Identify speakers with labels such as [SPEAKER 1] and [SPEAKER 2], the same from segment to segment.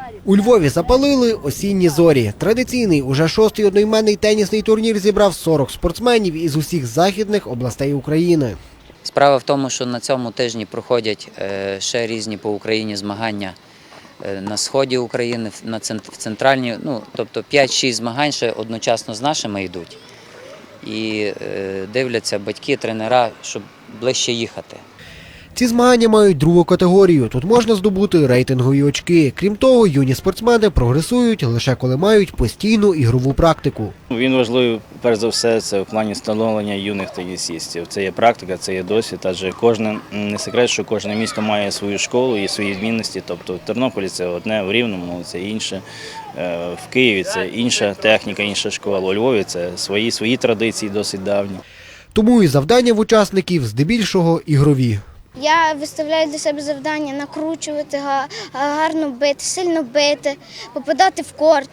[SPEAKER 1] У Львові запалили осінні зорі. Традиційний, уже шостий одноіменний тенісний турнір зібрав 40 спортсменів із усіх західних областей України.
[SPEAKER 2] Справа в тому, що на цьому тижні проходять ще різні по Україні змагання на сході України, в центральній, тобто 5-6 змагань ще одночасно з нашими йдуть. І дивляться батьки, тренера, щоб ближче їхати.
[SPEAKER 1] Ці змагання мають другу категорію. Тут можна здобути рейтингові очки. Крім того, юні спортсмени прогресують лише коли мають постійну ігрову практику.
[SPEAKER 3] Він важливий, перш за все, це в плані становлення юних тенісистів. Це є практика, це є досвід, адже не секрет, що кожне місто має свою школу і свої відмінності. Тобто в Тернополі це одне, в Рівному це інше, в Києві це інша техніка, інша школа, у Львові це свої традиції досить давні.
[SPEAKER 1] Тому і завдання в учасників здебільшого ігрові.
[SPEAKER 4] Я виставляю для себе завдання накручувати, гарно бити, сильно бити, попадати в корт,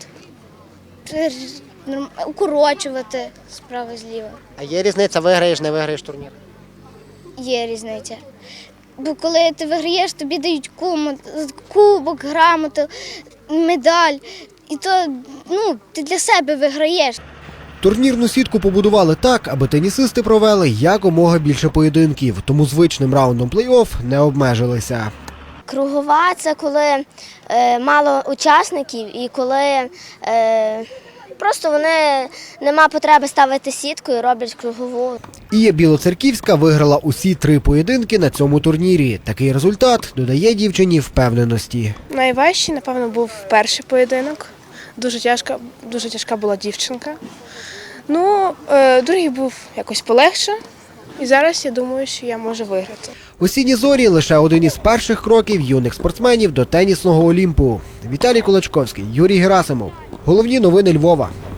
[SPEAKER 4] укорочувати справа-зліва.
[SPEAKER 1] А є різниця, виграєш, не виграєш турнір?
[SPEAKER 4] Є різниця. Бо коли ти виграєш, тобі дають кубок, грамоту, медаль. І то ти для себе виграєш.
[SPEAKER 1] Турнірну сітку побудували так, аби тенісисти провели якомога більше поєдинків, тому звичним раундом плей-офф не обмежилися.
[SPEAKER 4] Кругова – це коли мало учасників і коли просто нема потреби ставити сітку і роблять кругову.
[SPEAKER 1] Ія Білоцерківська виграла усі 3 поєдинки на цьому турнірі. Такий результат додає дівчині впевненості.
[SPEAKER 5] Найважчий, напевно, був перший поєдинок. Дуже тяжка була дівчинка. Другий був якось полегше. І зараз я думаю, що я можу виграти.
[SPEAKER 1] Осінні зорі – лише один із перших кроків юних спортсменів до тенісного Олімпу. Віталій Кулачковський, Юрій Герасимов. Головні новини Львова.